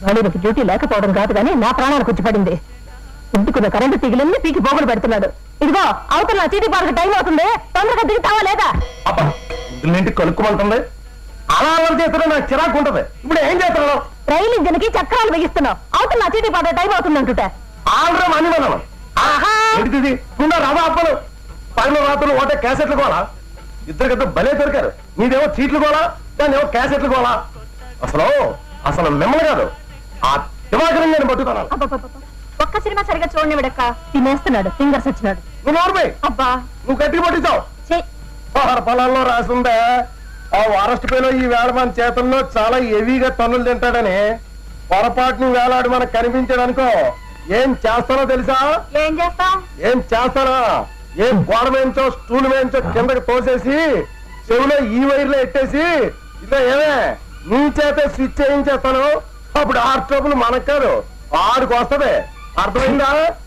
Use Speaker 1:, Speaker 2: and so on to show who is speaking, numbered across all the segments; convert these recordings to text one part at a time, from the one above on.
Speaker 1: వాడికి డ్యూటీ లేకపోవడం కాదు కానీ నా ప్రాణాలకు వచ్చి పడింది. ఇంటికున్న కరెంటు తీగలన్నీ పీకి పోగులు పెడుతున్నాడు. ఇదిగో అవతల నా చీటీ పార్క్ టైం అవుతుంది, తొందరగా దిగుతావా లేదా?
Speaker 2: ఇంటికి కలుక్కుమంటుంది. అలా అలా చేస్తున్నా నాకు చిరాకు ఉంటది. ఇప్పుడు ఏం చేస్తున్నావు?
Speaker 1: రైలు ఇంజన్ కి చక్రాలు బిగిస్తున్నావు. అవతల నా చీటీ పార్క్ టైం అవుతుంది అంటుంటే
Speaker 2: ఆల్రెడీ మనీ మనం ఏంటిది రవ అప్పలు పైన రాత్రులు ఒకటే క్యాసెట్లు కోలా. ఇద్దరికిద్దరు భలే దొరికారు. నీదేమో చీట్లు కోలా, దాన్ని ఏమో క్యాసెట్లు కోలా. అసలు మిమ్మల్ని కాదు ఆ దివాకరం నేను పట్టుకున్నాను.
Speaker 1: ఒక్క సినిమా సరిగా చూడండి విడక్క తినేస్తున్నాడు. ఫింగర్స్ వచ్చినాడు.
Speaker 2: నువ్వు నోర్మే
Speaker 1: అబ్బా
Speaker 2: నువ్వు గట్టిగా పట్టించావు. ఆహార పొలాల్లో రాసిందే ఆ వారస్ట్ పేలో ఈ వేళ మన చేతుల్లో చాలా హెవీగా తన్నులు తింటాడని పొరపాటుని వేలాడు మనకు కనిపించాడనుకో ఏం చేస్తానో తెలుసా?
Speaker 1: ఏం చేస్తా?
Speaker 2: ఏం చేస్తానా? ఏం గోడ వేయించో స్టూల్ వేయించో కిందకి తోసేసి చెవిలో ఈ వైర్లో ఎట్టేసి ఇదో ఏమే నీ చేతే స్విచ్ చేయించేస్తాను. అప్పుడు ఆ ట్రబుల్ మనకు కాదు ఆడికి వస్తది. అర్థమైందా?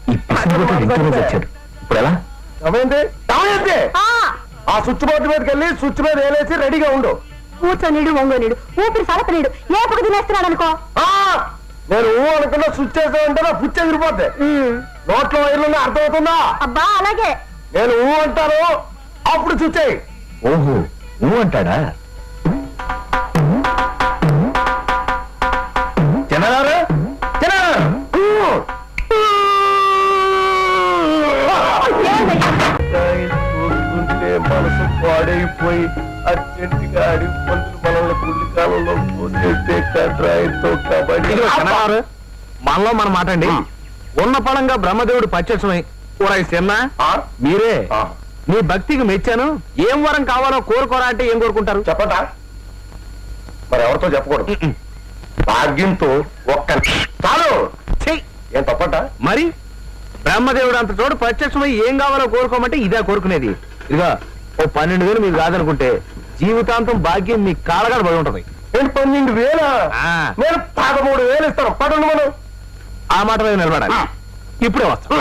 Speaker 2: ఏమైంది? ఆ స్విచ్ బోర్డు మీదకి వెళ్ళి స్విచ్ మీద వేలేసి రెడీగా ఉండు.
Speaker 1: కూర్చొనిడు వంగోనిడు ఊపిరి సడపనీడు ఏపకు తినేస్తున్నాడు అనుకో.
Speaker 2: నేను అనుకున్నా స్విచ్ చేసానంటే నా పుచ్చి ఎగిరిపోద్ది. నోట్లో వైర్లు అర్థమవుతుందా?
Speaker 1: అబ్బా అలాగే.
Speaker 2: నేను అంటాను అప్పుడు స్విచ్ అయ్యి.
Speaker 3: ఓహో అంటాడా?
Speaker 2: చిన్నగారు చూస్తుంటే మనసు పాడైపోయి అర్జెంటుగా అడిగి పంతులు మనల్ని పుల్లి కాలంలో పోసేస్తే కట్రాయితో కబడ్డీ.
Speaker 3: మనలో మన మాట అండి. ఉన్న పడంగా బ్రహ్మదేవుడు పచ్చమై చిన్న మీరే మీ భక్తికి మెచ్చాను. ఏం వరం కావాలో కోరుకోరా అంటే ఏం కోరుకుంటారు
Speaker 2: చెప్పటా? మరి ఎవరితో చెప్పకూడదు. భాగ్యంతో ఒక్క చాలు. ఏం తప్పట?
Speaker 3: మరి బ్రహ్మదేవుడు అంత చోటు ప్రత్యక్షమై ఏం కావాలో కోరుకోమంటే ఇదే కోరుకునేది. ఇదిగా ఓ 12,000 మీకు కాదనుకుంటే జీవితాంతం భాగ్యం మీ కాళ్ళగాడు పడి ఉంటది.
Speaker 2: నేను 12,000 నేను 13,000 ఇస్తాను. పడండి మనం
Speaker 3: ఆ మాట మీద నిలబడాలి. ఇప్పుడే వస్తాం.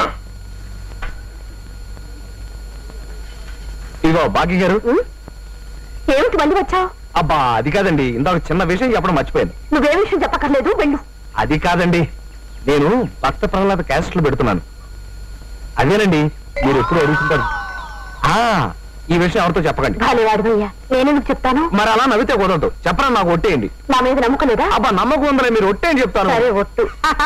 Speaker 3: ఇదిగో భాగ్య గారు.
Speaker 1: ఏమిటి మళ్ళీ వచ్చావు?
Speaker 3: అబ్బా అది కాదండి, ఇందాక చిన్న విషయం చెప్పడం మర్చిపోయాను.
Speaker 1: నువ్వే విషయం చెప్పక్కర్లేదు, వెళ్ళు.
Speaker 3: అది కాదండి, నేను భక్త ప్రహ్లాద క్యాసెట్లు పెడుతున్నాను. అదేనండి మీరు ఎప్పుడు అడుగుతుంటారు. ఈ విషయం ఎవరితో చెప్పకండి.
Speaker 1: భాలేవాడివయ్యా, నేనెందుకు చెప్తాను?
Speaker 3: మరి అలా నవ్వితే కుదరదు. చెప్పరా? నాకు ఒట్టేయండి.
Speaker 1: నా మీద నమ్మకం లేదా?
Speaker 3: అబ్బా నమ్మకం ఉందలే, మీరు ఒట్టేయని చెప్తాను.
Speaker 1: సరే ఒట్టు.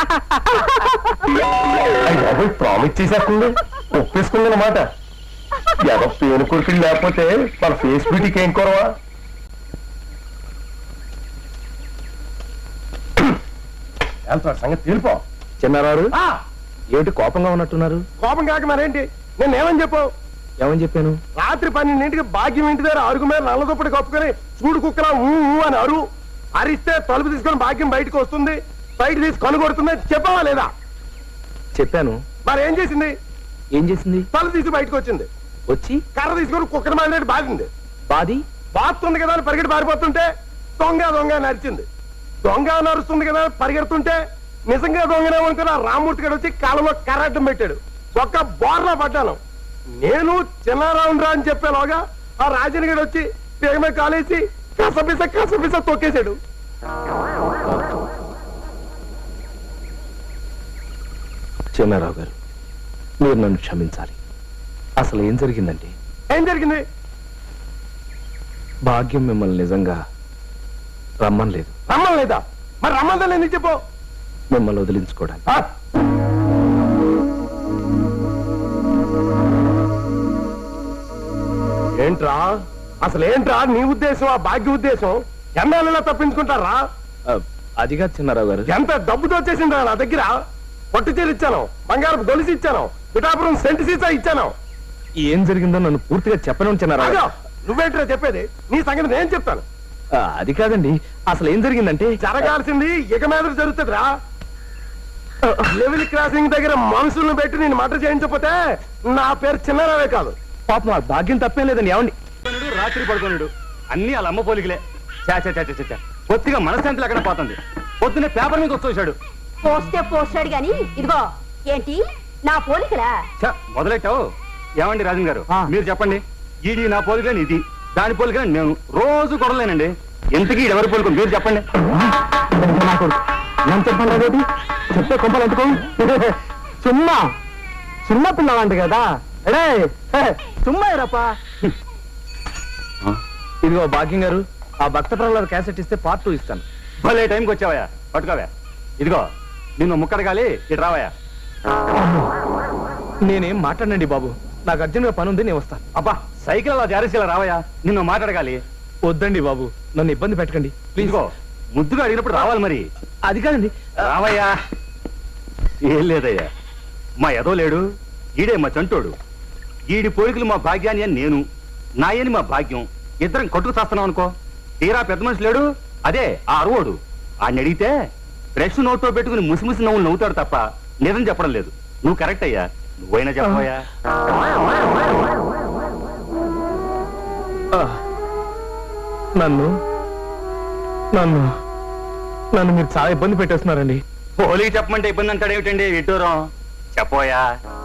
Speaker 2: ప్రామిస్ చేసేస్తుంది, ఒప్పేసుకుంది అన్నమాట. ఏదో పేను కొడుకులు లేకపోతే మన ఫేస్ బ్యూటీకి ఏం కొరవా? సంగతి తెలిపో.
Speaker 3: చిన్నారారు ఏమిటి కోపంగా ఉన్నట్టున్నారు?
Speaker 2: కోపం కాక మరేంటి? నేను ఏమని చెప్పావు?
Speaker 3: ఏమని చెప్పాను?
Speaker 2: రాత్రి 12ంటికి భాగ్యం ఇంటి దగ్గర అరుగు మీద నల్లదుప్పటి కప్పుకొని చూడు కుక్కలా ఊ అని అరిస్తే తలుపు తీసుకొని భాగ్యం బయటకు వస్తుంది, బయట తీసి కనుగొడుతుంది. చెప్పావా లేదా?
Speaker 3: చెప్పాను.
Speaker 2: మరి ఏం చేసింది?
Speaker 3: ఏం చేసింది?
Speaker 2: తలుపు తీసి బయటకు వచ్చింది.
Speaker 3: వచ్చి
Speaker 2: కర్ర తీసుకొని కుక్కని మాదిరి బాధింది. బాస్తుంది కదా అని పరిగెట్టి పారిపోతుంటే దొంగ నరిచింది. దొంగ నరుస్తుంది కదా పరిగెడుతుంటే నిజంగా దొంగనేమనుకున్న రామూర్తి గడు వచ్చి కాలంలో కర్రడ్డం పెట్టాడు. ఒక్క బోర్లా పడ్డాను. నేను చిన్నారావురా అని చెప్పేలోగా ఆ రాజన్ గడు వచ్చి పేగమే కాలేసి కసపిస తొక్కేశాడు.
Speaker 3: చిన్నారావు గారు, మీరు నన్ను క్షమించాలి. అసలు ఏం జరిగిందంటే?
Speaker 2: ఏం జరిగింది?
Speaker 3: భాగ్యం మిమ్మల్ని నిజంగా రమ్మనలేదు.
Speaker 2: రమ్మలేదా? మరి రమ్మందని ఎందుకు చెప్పు?
Speaker 3: మిమ్మల్ని వదిలించుకోవడానికి.
Speaker 2: ఏంట్రా అసలు ఏంట్రా నీ ఉద్దేశం? ఆ భాగ్య ఉద్దేశం ఎన్నాళ్ళలా తప్పించుకుంటారా?
Speaker 3: అదిగా చిన్నారావు గారు,
Speaker 2: ఎంత డబ్బుతో వచ్చేసిందా నా దగ్గర? పట్టు చీర ఇచ్చాను, బంగారపు గొలుసు ఇచ్చాను, పిఠాపురం సెంటు సీసా ఇచ్చాను.
Speaker 3: ఏం జరిగిందో నన్ను పూర్తిగా చెప్పను చిన్నారావు.
Speaker 2: నువ్వేంట్రా చెప్పేది? నీ సంగతి నేను చెప్తాను.
Speaker 3: అది కాదండి, అసలు ఏం జరిగిందంటే
Speaker 2: జరగాల్సింది ఇక మీద జరుగుతుందిరా. లెవెల్ క్రాసింగ్ దగ్గర మనుషులను పెట్టి నేను మర్డర్ చేయించకపోతే నా పేరు చిన్నారావే కాదు.
Speaker 3: పాపం ఆ భాగ్యం తప్పేం లేదండి. ఏమండి?
Speaker 4: రాత్రి పడుకోనుడు అన్ని వాళ్ళ అమ్మ పోలికలే. కొద్దిగా మనశ్శాంతి లేకుండా పోతుంది. పొద్దున్నే పేపర్ మీద వచ్చేసాడు.
Speaker 1: పోస్తాడు గాని ఇదిగో ఏంటి నా పోలికలా?
Speaker 4: మొదలెట్టావు. ఏమండి రాజన్ గారు, మీరు చెప్పండి. ఇది నా పోలికని, ఇది దాని పోలికని నేను రోజు కొడలేనండి. ఎంతకీ ఎవరి పోలిక మీరు చెప్పండి.
Speaker 3: నేను చెప్పండి అదేంటి చెప్తే కొంపలు ఎందుకో సుమ్మా సుమ్మా పిల్లవాంటి కదా అడే సుమ్మా రప్పా. ఇదిగో భాగ్యం గారు, ఆ భక్త ప్రహ్లాద క్యాసెట్ ఇస్తే పార్ట్ 2 ఇస్తాను.
Speaker 4: భలే టైంకి వచ్చావయ్యా, పట్టుకోవా. ఇదిగో నిన్ను ముక్కడగాలి, ఇటు రావయ్యా.
Speaker 3: నేనేం మాట్లాడండి బాబు, నాకు అర్జెంట్గా పని ఉంది, నేను వస్తాను.
Speaker 4: అబ్బా సైకిల్ అలా జారేసేలా రావయ్యా, నిన్ను మాట్లాడగాలి.
Speaker 3: వద్దండి బాబు, నన్ను ఇబ్బంది పెట్టకండి ప్లీజ్.
Speaker 4: ఇదిగో ముద్దుగా అడిగినప్పుడు రావాలి మరి.
Speaker 3: అది కాదండి.
Speaker 4: రావయ్యా. ఏం లేదయ్యా, మా ఎదో లేడు, ఈడే మా చంటోడు. ఈడి పోలికలు మా భాగ్యాన్ని అని నేను, నాయని మా భాగ్యం, ఇద్దరం కొట్టుకు చేస్తున్నాం అనుకో. తీరా పెద్ద మనిషి లేడు, అదే ఆ అరువోడు. ఆయన అడిగితే ఫ్రెష్ నోట్లో పెట్టుకుని ముసిముసి నవ్వులు నవ్వుతాడు తప్ప నిజం చెప్పడం లేదు. నువ్వు కరెక్ట్ అయ్యా, నువ్వైనా చెప్పవయ్యా.
Speaker 3: నన్ను నన్ను నన్ను మీరు చాలా ఇబ్బంది పెట్టేస్తున్నారండి.
Speaker 4: పోలీకి చెప్పమంటే ఇబ్బంది అంటాడు ఏమిటండి విడ్డూరం? చెప్పోయా.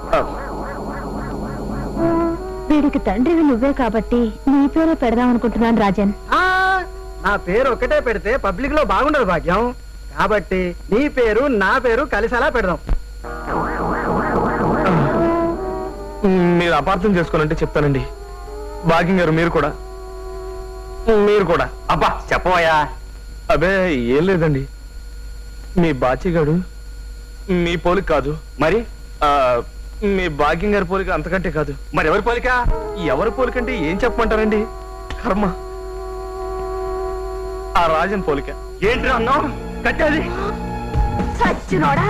Speaker 1: వీడికి తండ్రివి నువ్వే కాబట్టి నీ పేరే పెడదాం అనుకుంటున్నాను రాజన్.
Speaker 5: నా పేరు ఒకటే పెడితే పబ్లిక్ లో బాగుండదు భాగ్యం, కాబట్టి నీ పేరు నా పేరు కలిసేలా పెడదాం.
Speaker 3: మీరు అపార్థం చేసుకోనంటే చెప్తానండి. భాగ్యం గారు మీరు కూడా
Speaker 4: అబ్బా చెప్పవయ్యా.
Speaker 3: అబే ఏం లేదండి, మీ బాచిగాడు మీ పోలిక కాదు,
Speaker 4: మరి
Speaker 3: మీ భాగ్యం గారి పోలిక అంతకంటే కాదు.
Speaker 4: మరి ఎవరి పోలిక?
Speaker 3: ఎవరి పోలికంటే ఏం చెప్పమంటారండి? కర్మ, ఆ రాజన్ పోలిక.
Speaker 4: ఏంటి అన్నావు? కట్టేది
Speaker 1: సచ్చినోడా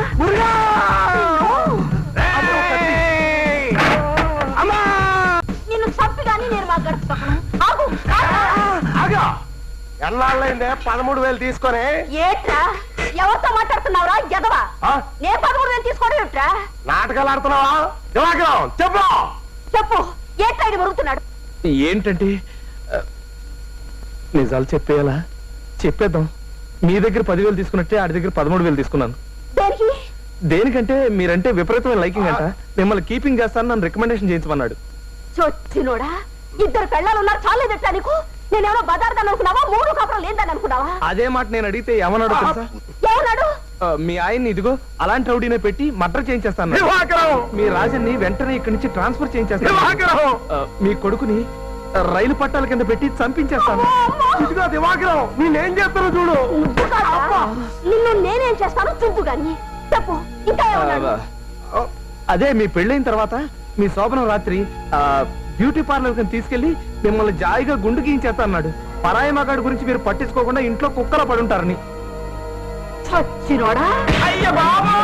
Speaker 1: నిన్ను చంపిగాని నేను మా గడుపుతాను.
Speaker 2: ఎన్నాళ్ళైందే 13,000 తీసుకొని?
Speaker 1: ఏట్రా ఎవరితో మాట్లాడుతున్నావురా ఎదవా?
Speaker 2: ఆ?
Speaker 1: నే 13,000 తీసుకోవడం ఏట్రా?
Speaker 2: నాటకాలు ఆడుతున్నావా? దివాకరం చెప్పు.
Speaker 1: చెప్పు, ఏట్రా ఇది మరుగుతున్నాడు?
Speaker 3: ఏంటంటే నిజాలు చెప్పేయాలా? చెప్పేద్దాం. మీ దగ్గర 10,000 తీసుకున్నట్టే ఆడి దగ్గర 13,000 తీసుకున్నాను.
Speaker 1: దేనికి?
Speaker 3: దేనికంటే మీరంటే విపరీతమైన లైకింగ్ అంట, మిమ్మల్ని కీపింగ్ చేస్తాను, నన్ను రికమెండేషన్ చేయించమన్నాడు.
Speaker 1: చొచ్చినోడా, ఇద్దరు పెళ్ళాలు ఉన్నారు చాలేదట్టా నీకు? నేనేమో బజార్దాన్ని అనుకున్నావా, 3 కాపురం లేదని అనుకున్నావా?
Speaker 3: అదే మాట నేను అడిగితే ఏమన్నాడు తెలుసా?
Speaker 1: ఏమన్నాడు?
Speaker 3: మీ ఆయన్ని ఇదిగో అలాంటి రౌడీనే పెట్టి మర్డర్ చేయించేస్తాను,
Speaker 2: దివాకరం
Speaker 3: మీ రాజన్ని వెంటనే ఇక్కడి నుంచి ట్రాన్స్ఫర్ చేయించేస్తాను,
Speaker 2: దివాకరం
Speaker 3: మీ కొడుకుని రైలు పట్టాల కింద పెట్టి చంపించేస్తాను.
Speaker 2: ఇదిగో దివాకరం, నేనేం చేస్తాను చూడు.
Speaker 1: నువ్వు కాదా? నిన్ను నేనేం చేస్తాను చూపు గాని. చెప్పు, ఇంకా ఏమన్నాడు?
Speaker 3: అదే మీ పెళ్ళైన తర్వాత మీ శోభనం రాత్రి బ్యూటీ పార్లర్ కింద తీసుకెళ్లి మిమ్మల్ని జాయిగా గుండు గీయించేస్తా అన్నాడు. పరాయి మగాడి గురించి మీరు పట్టించుకోకుండా ఇంట్లో కుక్కలా పడుంటారని.
Speaker 1: చచ్చినోడా,
Speaker 2: అయ్య బాబా,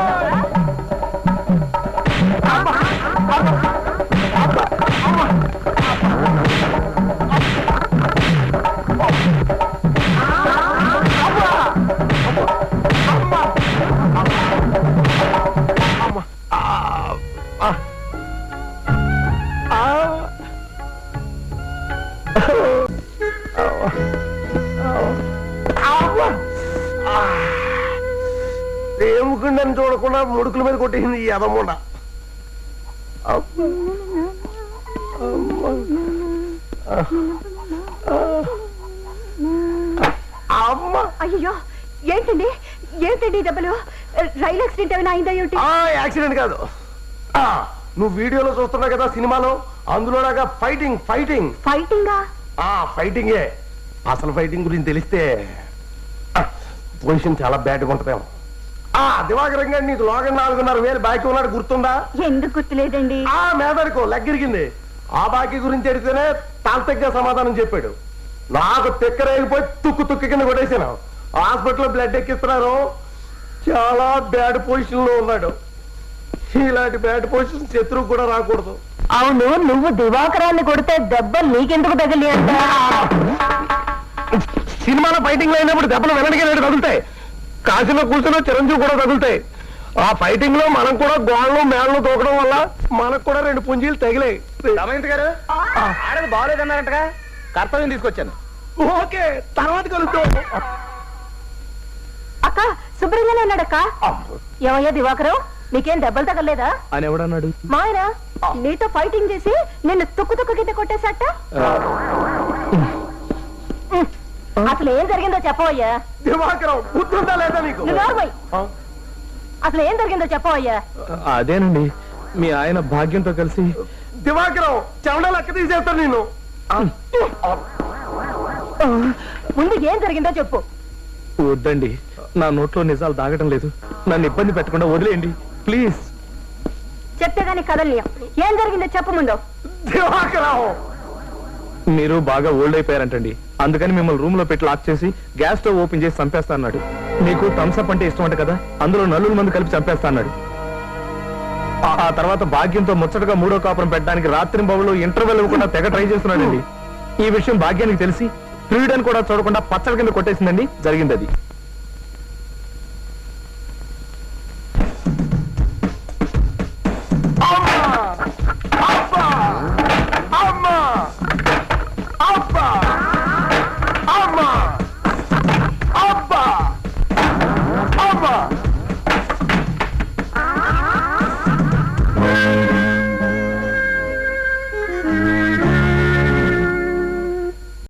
Speaker 2: దేవుకుండని చూడకుండా ముడుకుల మీద కొట్టేసింది ఈ అదమ్ముండ. అమ్మ,
Speaker 1: అయ్యో ఏంటండి ఏంటండి దెబ్బలు? రైలు యాక్సిడెంట్ ఏమైనా అయిందా ఏమిటి?
Speaker 2: యాక్సిడెంట్ కాదు. నువ్వు వీడియోలో చూస్తున్నావు కదా సినిమాలో, అందులోలాగా ఫైటింగ్ ఫైటింగ్
Speaker 1: ఫైటింగా?
Speaker 2: ఫైటింగే. అసలు ఫైటింగ్ గురించి తెలిస్తే పొజిషన్ చాలా బ్యాడ్గా ఉంటుందేమో. దివాకరం గారు నీకు లోగన్ 4,500 బాకీ ఉన్నాడు, గుర్తుందా?
Speaker 1: ఎందుకు గుర్తులేదండి?
Speaker 2: మేదడుకో లెగ్గిరిగింది. ఆ బాకీ గురించి అడిగితేనే తాంతగ్గా సమాధానం చెప్పాడు. నాకు తిక్కరైపోయి తుక్కు కింద కొట్టేశాను. హాస్పిటల్లో బ్లడ్ ఎక్కిస్తున్నారు. చాలా బ్యాడ్ పొజిషన్ లో ఉన్నాడు. ఇలాంటి బ్యాడ్ పొజిషన్ శత్రువు కూడా రాకూడదు.
Speaker 1: అవును, నువ్వు దివాకరాన్ని కొడితే దెబ్బలు నీకెందుకు తగిలి అంట?
Speaker 2: సినిమాలో ఫైటింగ్ లో అయినప్పుడు దెబ్బలు వెనక్కి తగులుతాయి. కాశీలో కూర్చున్న చిరంజీవి కూడా తగులుతాయి. ఆ ఫైటింగ్ లో మనం కూడా గోళ్ళు మేళ్ళు తోకడం వల్ల మనకు కూడా 2 పుంజీలు తగిలాయి.
Speaker 3: రమేంద్ర గారు, ఆడది బాగోలేదన్నారంటగా, కర్తవ్యం తీసుకొచ్చాను.
Speaker 2: ఓకే, తర్వాత కలుద్దాం.
Speaker 1: అక్క శుభ్రంగానే ఉన్నాడక్క. ఏమయ్యా దివాకరం, నీకేం దెబ్బలు తగలేదా
Speaker 3: అని ఎవడన్నాడు?
Speaker 1: మాయరా నీతో ఫైటింగ్ చేసి నిన్ను తుక్కు కింద కొట్టేశాట. అసలు ఏం జరిగిందో చెప్పవయ్యా.
Speaker 2: దివాకరం బుద్ధుందా లేదా నీకు?
Speaker 1: నువ్వు ఎవరు పోయి? అసలు ఏం జరిగిందో చెప్పవయ్యా.
Speaker 3: అదేనండి మీ ఆయన భాగ్యంతో కలిసి
Speaker 2: దివాకరం చెమట లెక్క తీసేస్తాను నిన్ను.
Speaker 1: ముందు ఏం జరిగిందో చెప్పు.
Speaker 3: వద్దండి నా నోట్లో నిజాలు దాగటం లేదు, నన్ను ఇబ్బంది పెట్టకుండా వదిలేయండి ప్లీజ్.
Speaker 1: చెప్తే గానీ కదలియం. ఏం జరిగిందో చెప్పు ముందు.
Speaker 2: దివాకరం
Speaker 3: మీరు బాగా ఓల్డ్ అయిపోయారంటండి, అందుకని మిమ్మల్ని రూమ్ లో పెట్టి లాక్ చేసి గ్యాస్ స్టవ్ ఓపెన్ చేసి చంపేస్తా అన్నాడు. మీకు థమ్స్అప్ అంటే ఇష్టం అంట కదా, అందులో నలుగురు మంది కలిపి చంపేస్తా అన్నాడు. ఆ తర్వాత భాగ్యంతో ముచ్చటగా మూడో కాపురం పెట్టడానికి రాత్రి బాబులో ఇంటర్వెల్ ఇవ్వకుండా తెగ ట్రై చేస్తున్నాడండి. ఈ విషయం భాగ్యానికి తెలిసి ఫ్రీడన్ కూడా చూడకుండా పచ్చడి కింద కొట్టేసిందండి. జరిగింది అది.